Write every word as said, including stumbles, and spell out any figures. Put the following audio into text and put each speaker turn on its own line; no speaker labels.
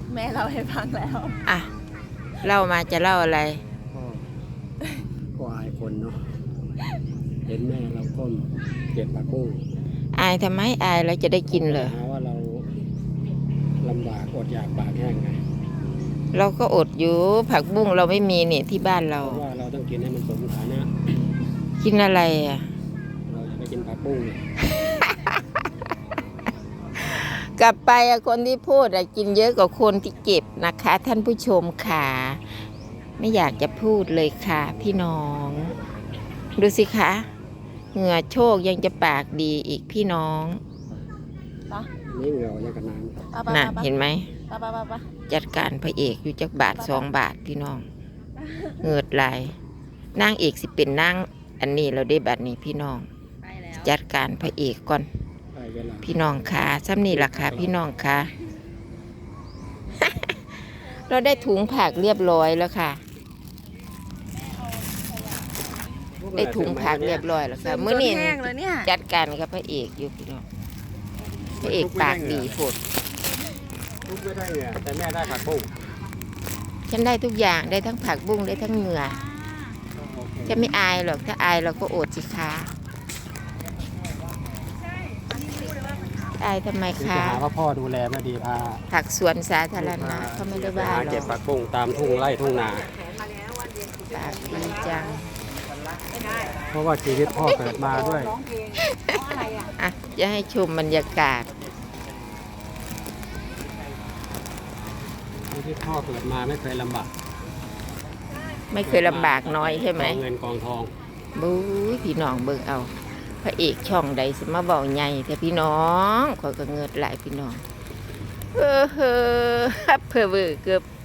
แม่เราให้ฟังแล้ว
อ่ะเล่ามาจะเล่าอะไร
ก็ก็อายคนเนาะเห็นแม่เราก้มเก็บผักบุ้ง
อายทำไมอายเราจะได้กินเหรอ
หาว่าเราลำบากอดอยากปากแห้งไง
เราก็อดอยู่ผักบุ้งเราไม่มีเนี่ยที่บ้านเรา
เพราะว่าเราต้องกินให้มันสมฐานะ
กินอะไรอ่ะ
เราจะไปกินผักบุ้ง
กลับไปคนที่พูดกินเยอะกว่าคนที่เก็บนะคะ ท่านผู้ชมค่ะไม่อยากจะพูดเลยค่ะพี่น้องดูสิคะเหงื่อโชคยังจะปากดีอีกพี่น้อง
นี่เหงื่อยังกันน้
ำน่ะเห็นไหมจัดการพระเอกอยู่จักบาทสองบาทพี่น้องเหงื่อไหลนางเอกสิเป็นนางอันนี้เราได้บัตรนี้พี่น้องจัดการพระเอกก่อนพี่น้องค่ะซ้ำนี่ราคาพี่น้องค่ะ เราได้ถุงผักเรียบร้อยแล้วค่ะได้ถุงผักเรียบร้อยแล้วค่ะมื้อนี้จัดการกับพระเอกอยู่พี่น้องพระเอกปากดีโผด
ทุกไม่ได้เนี่ยแต่แม่ได้ผักบุ้ง
ฉันได้ทุกอย่างได้ทั้งผักบุ้งได้ทั้งเหงื่อจะไม่อายหรอกถ้าอายเราก็อดสิคะอายทำไมคะ
หาว่าพ่อดูแลไม่ดีพา
ผักสวนสาธารณะเขาไม่ได้ว่าหรอก
เก็บผักบุ้งตามทุ่งไร่ทุ่งนา
ปากดีจัง
เพราะว่าชีวิตพ่อเกิดมาด้วย
อ่ะจะให้ชมบรรยากาศ
ชีวิตพ่อเกิดมาไม่เคยลำบาก
ไม่เคยลำบากน้อยใช่ไหม
เงินกองทอง
บู๊พี่น้องเบิ่งเอาพระเอกช่องใดสิมาเบาใหญ่แต่พี่น้องขอยก็เงิดหลายพี่น้องเออเฮ้อเพื่อเวอร์เกือบ